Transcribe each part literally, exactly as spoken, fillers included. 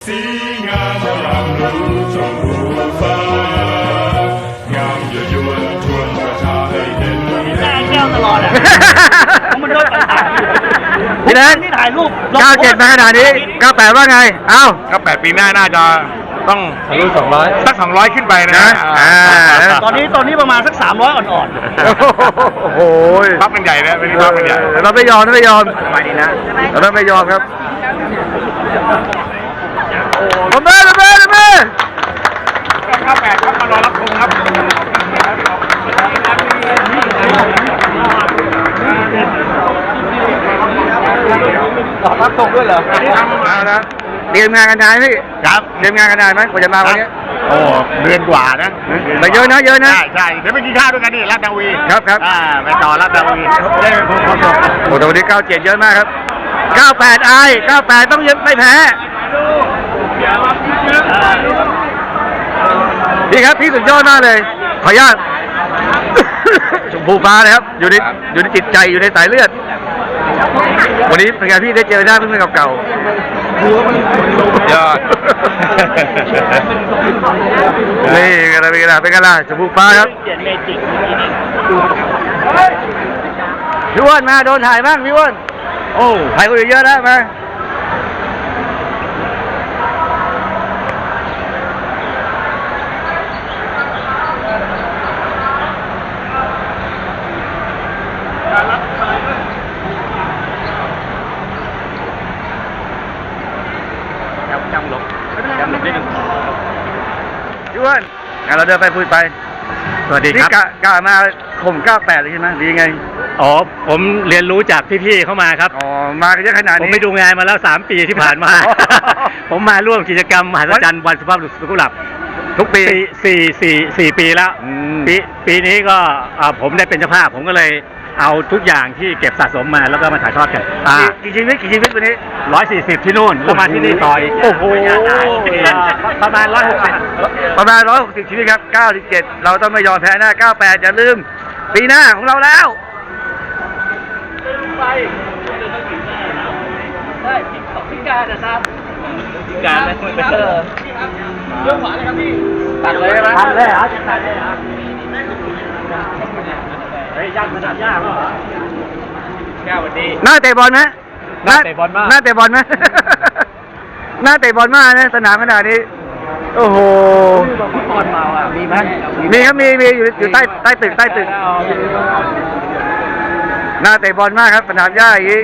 สีงามอร่ามรู้ชมพูฟ้างามยั่วยวนชวนประชาให้เห็นหน้าแก้วตลอดอ่ะมันโดนต่างๆพี่แดงที่ถ่ายรูปเก้าเจ็ดมาขนาดนี้เก้าแปดว่าไงเอ้าเก้าแปดปีหน้าน่าจะต้องทะลุสองร้อยสักสองร้อยขึ้นไปนะตอนนี้ตอนนี้ประมาณสักสามร้อยอ่อนๆโอ้โหพับกันใหญ่นะเป็นพับกันใหญ่เราไม่ยอมเราไม่ยอมสบายดีนะเราไม่ยอมครับลงมาลงมาลงมาเก้าแปดครับมารอรับชมครับรอรับชมด้วยเหรอเอาละเตรียมงานกันนานพี่ครับเตรียมงานกันนานไหมกว่าจะมาวันนี้โอ้เดือนกว่านะไปเยอะนะเยอะนะใช่ใช่เดี๋ยวไปกินข้าวด้วยกันนี่ลาดนาวีครับครับอ่าไปต่อลาดนาวีได้เป็นคนคนโอ้แต่วันนี้เก้าเจ็ดเยอะมากครับเก้าแปดไอเก้าแปดต้องยังไม่แพ้พี่ครับพี่สุดยอดมากเลยขออนุญาตชมพูฟ้าเลยครับอยู่ในอยู่ในจิตใจอยู่ในสายเลือดวันนี้เป็นไงพี่ได้เจอหน้าเพื่อนๆเก่าๆยอดนี่อะไรเป็นไงล่ะเป็นไงล่ะชมพูฟ้าครับพี่อ้วนมาโดนถ่ายบ้างพี่อ้วนโอ้ถ่ายคนอื่นเยอะแล้วมาจำหลบจำหลบนิดนึงพี่อ้วนงั้นเราเดินไปคุยไปสวัสดีครับนี่กะกะมาข่มเก้าแปดเลยใช่ไหมดีไงอ๋อผมเรียนรู้จากพี่ๆเข้ามาครับอ๋อมากันเยอะขนาดนี้ผมไปดูงานมาแล้วสามปีที่ผ่านมา ผมมาร่วมกิจกรรมมหัศจรรย์วันสุภาพบุรุษสุขุมวิททุกปีสี่สี่สี่ปีแล้วปีปีนี้ก็ผมได้เป็นเจ้าภาพผมก็เลยเอาทุกอย่างที่เก็บสะสมมาแล้วก็มาถ่ายทอดกันกี่ชีวิตกี่ชีวิตวันนี้ร้อยสี่สิบที่นู่นแล้วมาที่นี่ต่ออีกโอ้โหประมาณร้อยหกสิบประมาณร้อยหกสิบชีวิตครับเก้าสิบเจ็ดเราต้องไม่ยอมแพ้หน้าเก้าแปดอย่าลืมปีหน้าของเราแล้วไปได้พิการนะครับพิการนะเออเรื่องหวานเลยครับพี่ตัดเลยไหมตัดเลยเหรอตัดเลยเหรอเฮ้ยยากขนาดยากเหรอแก้ววันนี้หน้าเตะบอลไหมหน้าเตะบอลมากหน้าเตะบอลไหมหน้าเตะบอลมากนะสนามขนาดนี้โอ้โหบอลเมาอ่ะมีไหมมีครับมีมีอยู่อยู่ใต้ใต้ตึกใต้ตึกหน้าเตะบอลมากครับสนามหญ้าอย่างนี้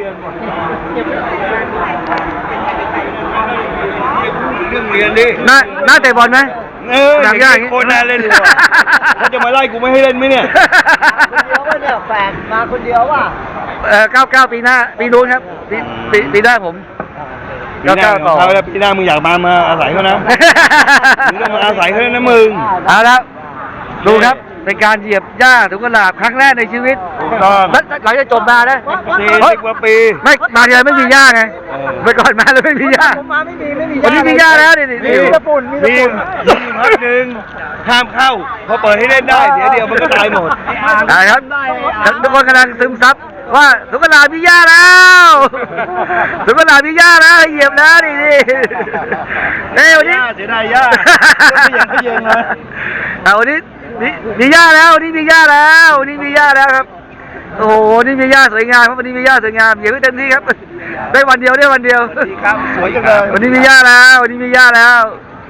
เรื่องเรียนดิหน้าหน้าเตะบอลไหมเออสนามหญ้าอย่างนี้โคตรน่าเล่นเลยเขาจะมาไล่กูไม่ให้เล่นไหมเนี่ยคนเดียวว่าเนี่ยแฝงมาคนเดียวว่ะเออเก้าเก้าปีหน้าปีนู้นครับปีปีปีหน้าผมปีหน้าต่อแล้วปีหน้ามึงอยากมามาอาศัยเขานะมึงต้องมาอาศัยเขานะมึงเอาละดูครับเป็นการเหยียบหญ้าถุงกระดาษครั้งแรกในชีวิตหลังจากจบมานะสี่สิบกว่าปีไม่มาเดียวไม่มีหญ้าไงเมื่อก่อนมาแล้วไม่มีหญ้าผมมาไม่มีไม่มีหญ้าวันนี้มีหญ้าแล้วนี่นี่มีตะปุ่นมีตะปุ่นมีพักหนึ่งห้ามเข้าพอเปิดให้เล่นได้เดี๋ยวเดียวมันก็ตายหมดได้ครับทุกคนกำลังซึมซับว่าถุงกระดาษมีหญ้าแล้วถุงกระดาษมีหญ้าแล้วเหยียบแล้วนี่นี่เฮ้ยวันนี้เสียดายหญ้าไม่ยังไม่ยังเลยเอาวันนี้มีมีหญ้าแล้วนี่มีหญ้าแล้วนี่มีหญ้าแล้วครับโอ้โหนี่มีหญ้าสวยงามครับวันนี้มีหญ้าสวยงามอย่าเพิ่งเต็มที่ครับได้วันเดียวได้วันเดียวดีครับสวยจังเลยวันนี้มีหญ้าแล้ววันนี้มีหญ้าแล้ว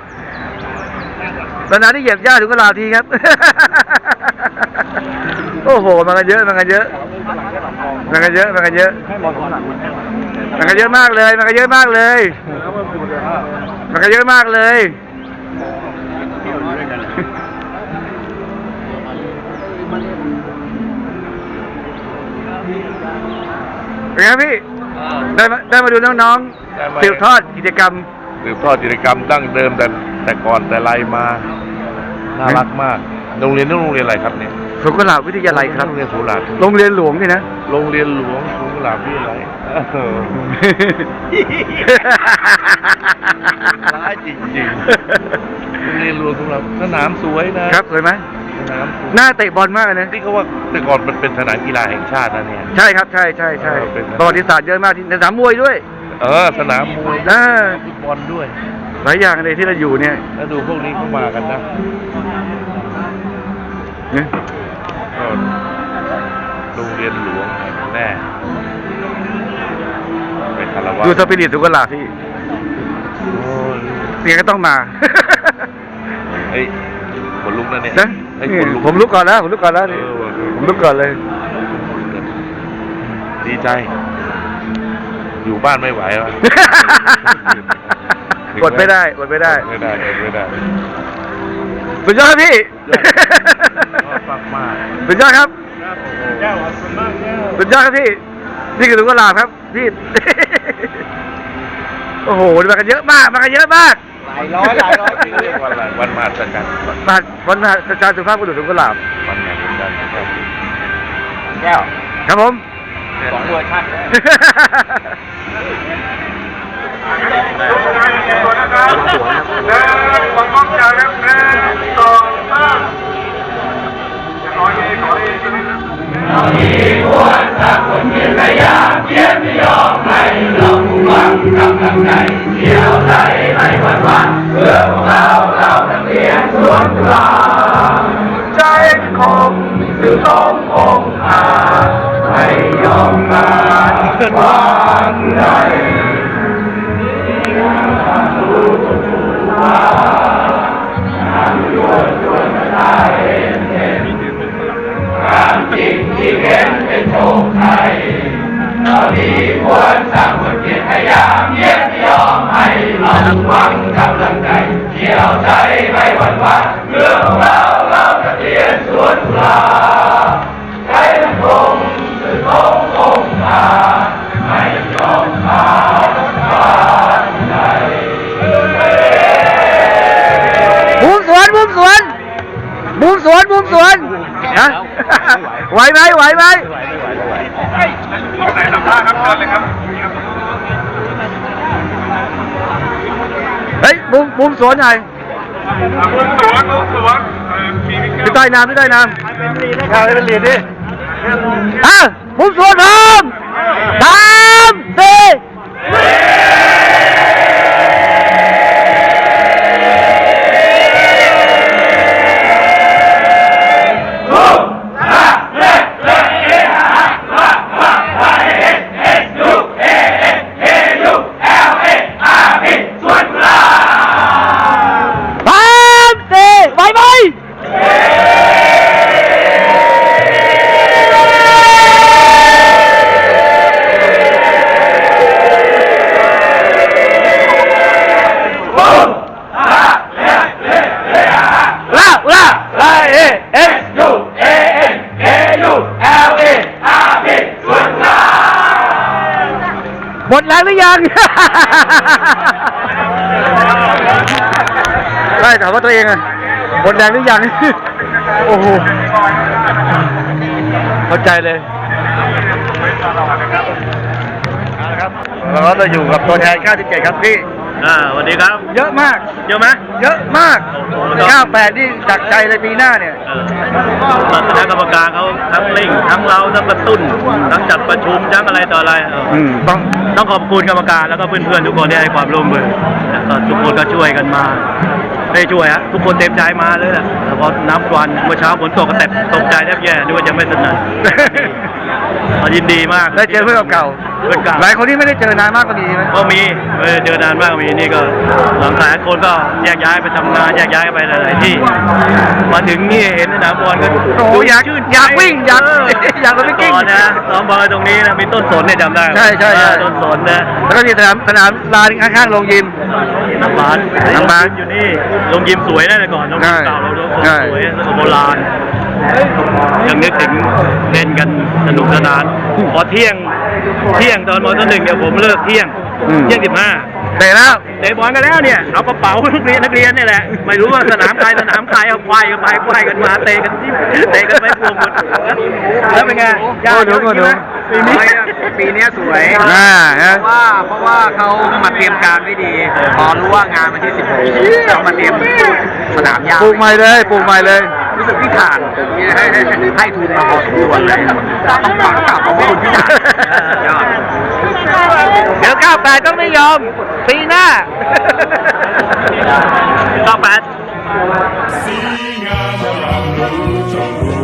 ตอนนั้นที่เหยียบหญ้าถึงก็ลาทีครับโอ้โหมันกันเยอะมันกันเยอะมันกันเยอะมันกันเยอะมันกันเยอะมากเลยมันกันเยอะมากเลยมันกันเยอะมากเลยเป็นไงพี่ได้มาได้มาดูน้องๆสืบทอดกิจกรรมสืบทอดกิจกรรมตั้งเดิมแต่แต่ก่อนแต่ไรมาน่ารักมากโรงเรียนนี่โรงเรียนอะไรครับเนี่ยสุขุลาภวิทยาลัยครับโรงเรียนสุขุลาภโรงเรียนหลวงนี่นะโรงเรียนหลวงสุขุลาภวิทยาลัยร้ายจริงๆโรงเรียนหลวงสุขุลาภสนามสวยนะครับสวยไหมสนามหน้าเตะบอลมากนะที่เขาว่าแต่ก่อนมันเป็นสนามกีฬาแห่งชาตินะเนี่ยใช่ครับใช่ใช่ใช่ประวัติศาสตร์เยอะมากที่สนามมวยด้วยเออสนามมวยนะฟุตบอลด้วยหลายอย่างเลยที่เราอยู่เนี่ยแล้วดูพวกนี้เข้ามากันนะเนี่ยก็โรงเรียนหลวงแห่งแรกเป็นคารวะดูสปิริตสุกลาพี่โอ้ยเสียก็ต้องมาเฮ้ยขนลุกนะเนี่ยนะเฮ้ยนี่ขนลุกผมลุกก่อนแล้วผมลุกก่อนแล้วนี่เออว่ะผมลุกก่อนเลยดีใจ อยู่บ้านไม่ไหววะกดไม่ได้กดไม่ได้ไม่ได้ไม่ได้สุดยอดครับพี่ชอบมากมากสุดยอดครับแก้วขอบคุณมากแก้วสุดยอดครับพี่นี่คือสุกลาครับพี่ โอ้โหมากันเยอะมากมากันเยอะมากหลายร้อยหลายร้อยเรียกว่าอะไรวันมหัศจรรย์มาวันมหาจารย์สุภาพบุรุษสุกลาวันมหัศจรรย์ครับแก้วครับผมสองเวอร์ชันความมั่นใจครับหนึ่งสองสามขอเองขอเองเรามีควรสักคนเพียรพยายามเพียรไม่ยอมให้เราหวังกำลังใจเที่ยวใจไม่หวั่นหวั่นเพื่อพวกเราเรานักเรียนสวนกุหลาบใจคงสื่อตรงองค์อาไม่ยอมมาวางใจ ความจริงที่เห็นเป็นโชคชัยเราดีควรสร้างคนเพียรพยายามเย็นยอมให้เราหวังกำลังใจเที่ยวใจไม่หวั่นไหวเรื่องของเราเราจะเรียนสวนกุหลาบใจมันคงสื่อตรงองค์อาไม่ยอมมาวางใจมุมสวนมุมสวนมุมสวนมุมสวนฮะไหวไหมไหวไหมไหนสัมภาษณ์ครับเชิญเลยครับเฮ้ยมุมมุมสวนหน่อยมุมสวนมุมสวนมีมิพี่ใต้น้ำพี่ใต้น้ำข้าวให้เป็นเหรียญดิอ่ะมุมสวนพร้อมสามสี่ สามสี่ไหวไหมลาลาลาเอเอสยูเอเอ็นเอยูเอลเออาร์พีส่วนลาหมดแล้วหรือยัง ได้ถามว่าตัวเองอะหมดแรงหรือยัง โอ้โห เข้าใจเลยครับเราก็จะอยู่กับตัวแทนเก้าสิบเจ็ดครับพี่อ่าสวัสดีครับเยอะมากเยอะไหมเยอะมากโอ้โหเก้าแปดนี่จากใจเลยปีหน้าเนี่ยเออคณะกรรมการเขาทั้งเร่งทั้งเราทั้งกระตุ้นทั้งจัดประชุมทั้งอะไรต่ออะไรเอออืมต้องต้องขอบคุณกรรมการแล้วก็เพื่อนๆทุกคนที่ให้ความร่วมมือแล้วก็ทุกคนก็ช่วยกันมาได้ช่วยฮะทุกคนเต็มใจมาเลยแหละแต่พอน้ำวันเมื่อเช้าฝนตกก็แตกตกใจแทบแย่นึกว่าจะไม่สนั่น เรายินดีมากได้เจอเพื่อนเก่าเพื่อนเก่าหลายคนที่ไม่ได้เจอนานมากก็มีไหมก็มีเออเจอนานมากมีนี่ก็หลังหลายคนก็แยกย้ายไปทำงานแยกย้ายไปหลายๆที่ มาถึงนี่เห็นสนามบอลก็โอ้โหอยากชื่นใจอยากวิ่งอยากเอยากไปวิ่งก่อนนะซ้อมบอลตรงนี้นะมีต้นสนเนี่ยจำได้ใช่ใช่ใช่เออต้นสนนะแล้วก็มีสนามสนามลานข้างๆโรงยิมน้ำบานน้ำบานอยู่นี่โรงยิมสวยนะแต่ก่อนโรงยิมเก่าเราโรงใช่สวยแล้วก็โบราณยังนึกถึงเล่นกันสนุกสนานพอเที่ยงเที่ยงตอนมอหนึ่งเนี่ยผมเลิกเที่ยงอืมเที่ยงสิบห้าเตะแล้วเตะบอลกันแล้วเนี่ยเอากระเป๋านักเรียนนักเรียนเนี่ยแหละไม่รู้ว่าสนามใครสนามใครเอาควายกันไปควายกันมาเตะกันที่เตะกันไปพวงหมดแล้วเป็นไงยากเยอะจริงไหมปีนี้ปีนี้สวยอ่าเพฮะราะว่าเพราะว่าเขามาเตรียมการไว้ดี พอรู้ว่างานวันที่สิบหกเขามาเตรียมสนามหญ้าปลูกใหม่เลยปลูกใหม่เลยรู้สึกพี่ถ่านให้ให้ให้ทุนมาพอสมควรเลยต้องขอบคุณพี่ถ่านยอดเดี๋ยวเก้าแปดต้องไม่ยอม ปีหน้าเก้าแปด Singa,